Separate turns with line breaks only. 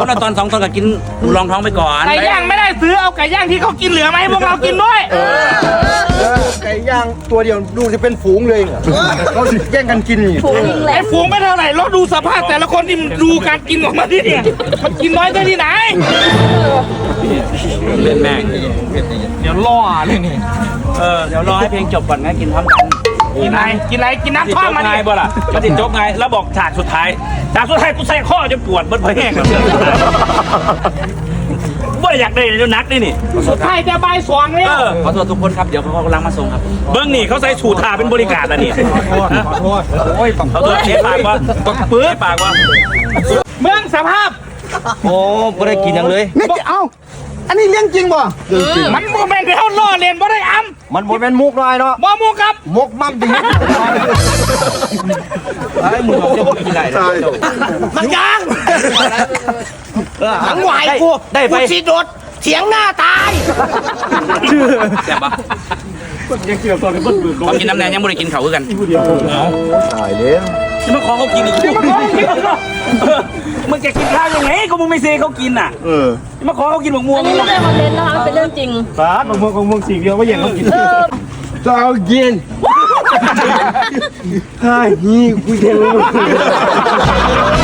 ละตอน2 ตอนก็กินลองท้องไปก่อน
ไก่ย่างไม่ได้ซื้อเอาไก่ย่างที่เขากินเหลือมาให้พวกเรากินด้วย
ไก่ย่างตัวเดียวดูจะเป็นฝูงเลยเขาแย่งกันกินนี่
ไอ้ฝูงไม่เท่าไหร่เราดูสภาพแต่ละคนที่มันดูการกินของมันที่เนี่ยมันกินน้อยได้ที่ไหน
เล่นแม่ง
เดี๋ยวล่อเลยนี่
เดี๋ยวรอให้เพลงจบก่อนนะกินพร้อมกัน
กินอะไรกินอะไรกินน้ำ
ติด
ท่อ
จ
ม
บ
มา
ไง
ดิ
บ่ล่ะมันติดจบไงแล้วบอกฉากสุดท้ายกูใส่ข้อจนปวดเบิ้ลพอแห้งบ่อยากได้เดี๋ยวนักนี่
สุดท้ายจะใบสวงแล้ว
ขอโทษทุกคนครับเดี๋ยวเขากำลังมาส่งครับเบิ้งนี่เขาใส่สูททาเป็นบริการแล้วนี่ขอโทษเขาตัวเช็ดปากว่าปื๊ดปากว่า
เมืองสภาพ
โอ้ไม่ได้กินยังเลย
ไม่เอ้าอันนี้เลี้ยงจริงป่ะ
มันโมเมนต์ที่เขาล่อเลียนบ่ได้อ้ำ
มันโมเป็นมุกลอยเนาะ
บ่มูครับ
มกมั่มดี
ไอ้มึงจะกินอะไร
มันยัง
ทั้งไหวกูได้ไป
สิโดดเถียงหน้าตาย
แซ่บปะเขากินน้ำแดงยังไม่ได้กินเขาคือกัน
ตายแล้ว
จะมาขอเขากินอีกมึงจะกินข้าวยังไงก็มึงไม่เซเขากินอ่ะจะมาขอเขากินหมกม่วง
อันนี้ไม่ใช่คอนเทนต์นะคะมันเป็นเรื่องจริง
สาดของมึงสิ่งเดียวไม่แย่งเขากินจะเอากินใช่นี่คุยกัน